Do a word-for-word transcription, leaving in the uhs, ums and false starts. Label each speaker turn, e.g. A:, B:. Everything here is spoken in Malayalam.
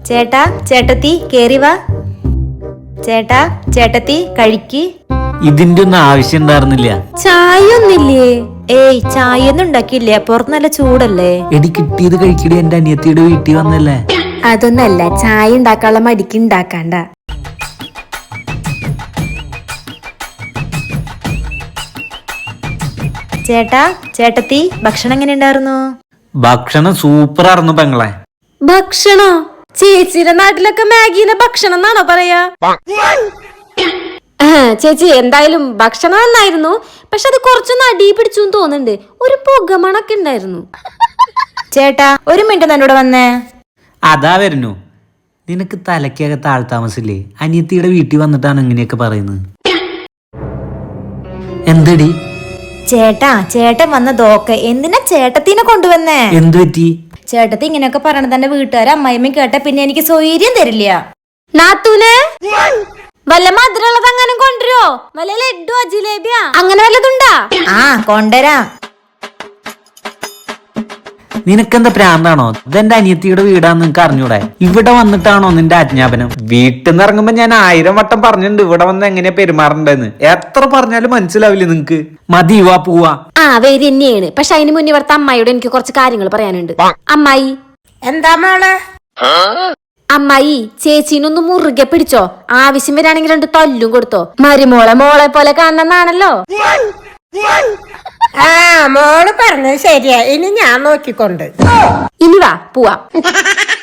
A: ചേട്ടാ ചേട്ടത്തി കേറി വാ. ചേട്ടാ ചേട്ടത്തി കഴിക്ക്.
B: ഇതിന്റെ ഒന്നും ആവശ്യം ഉണ്ടായിരുന്നില്ല.
A: ചായ ഒന്നില്ലേ? ഏയ് ചായ ഒന്നും ഉണ്ടാക്കിയില്ല, പുറത്ത് നല്ല ചൂടല്ലേ.
B: എടി കിട്ടിയത് കഴിക്കടി, എന്റെ അനിയത്തിയുടെ വീട്ടിൽ വന്നല്ലേ.
A: അതൊന്നല്ല, ചായ ഉണ്ടാക്കാനുള്ള മടിക്ക് ഉണ്ടാക്കാണ്ട. ചേട്ടാ ചേട്ടത്തി ഭക്ഷണം എങ്ങനെ ഉണ്ടായിരുന്നു?
B: ഭക്ഷണം സൂപ്പർ ആയിരുന്നു പെങ്ങളെ.
A: ഭക്ഷണോ? ചേച്ചിയുടെ നാട്ടിലൊക്കെ മാഗിനെ ഭക്ഷണം എന്നാണോ പറയാ? ചേച്ചി എന്തായാലും ഭക്ഷണം നന്നായിരുന്നു, പക്ഷെ അത് കുറച്ചൊന്ന് അടി പിടിച്ചു തോന്നുന്നുണ്ട്. ഒരു പുകമണൊക്കെ ഉണ്ടായിരുന്നു. ചേട്ടാ ഒരു മിനിറ്റ് എന്നോട് വന്നേ.
B: അതാ വരുന്നു. നിനക്ക് തലക്കകത്ത് ആൾ താമസില്ലേ? അനിയത്തിയുടെ വീട്ടിൽ വന്നിട്ടാണ് ഇങ്ങനെയൊക്കെ പറയുന്നത്. എന്തടി?
A: ചേട്ടാ ചേട്ടൻ വന്നതൊക്കെ എന്തിനാ ചേട്ടത്തിനെ കൊണ്ടുവന്നേ?
B: എന്തു പറ്റി?
A: ചേട്ടത്തി ഇങ്ങനെയൊക്കെ പറയണത് എന്റെ വീട്ടുകാരെ അമ്മായിമ്മ കേട്ട പിന്നെ എനിക്ക് സ്വൈര്യം തരില്ല. നാത്തൂനെ വല്ല മധുരമുള്ളത് അങ്ങനെ കൊണ്ടുവരോ? വല്ല ലഡ്ഡു ജിലേബിയാ അങ്ങനെ വല്ലതുണ്ടാ? ആ കൊണ്ടുവരാം.
B: നിനക്കെന്താ പ്രാന്താണോ? ഇതെന്റെ അനിയത്തിയുടെ വീടാന്ന് നിനക്ക് അറിഞ്ഞൂടെ? ഇവിടെ വന്നിട്ടാണോ നിന്റെ ആജ്ഞാപനം? വീട്ടിൽ നിന്ന് ഇറങ്ങുമ്പോ ഞാൻ ആയിരം വട്ടം പറഞ്ഞിട്ടുണ്ട് ഇവിടെ വന്ന് എങ്ങനെയാ പെരുമാറണ്ടെന്ന്. എത്ര പറഞ്ഞാലും മനസ്സിലാവില്ലേ നിങ്ങക്ക്? മതി, വാ പോവാ.
A: ആ വേര് തന്നെയാണ്, പക്ഷെ അതിന് മുന്നേ ഇവിടുത്തെ അമ്മായിയോട് എനിക്ക് കുറച്ച് കാര്യങ്ങൾ പറയാനുണ്ട്. അമ്മായി.
C: എന്താ മോളെ?
A: അമ്മായി ചേച്ചീനൊന്ന് മുറുകെ പിടിച്ചോ, ആവശ്യം വരാണെങ്കിൽ രണ്ട് തല്ലും കൊടുത്തോ. മരുമോളെ മോളെ പോലെ കാണണമെന്നാണല്ലോ.
C: ആ മോള് പറഞ്ഞത് ശരിയാ, ഇനി ഞാൻ നോക്കിക്കൊണ്ട്.
A: ഇനി വാ പോവാ.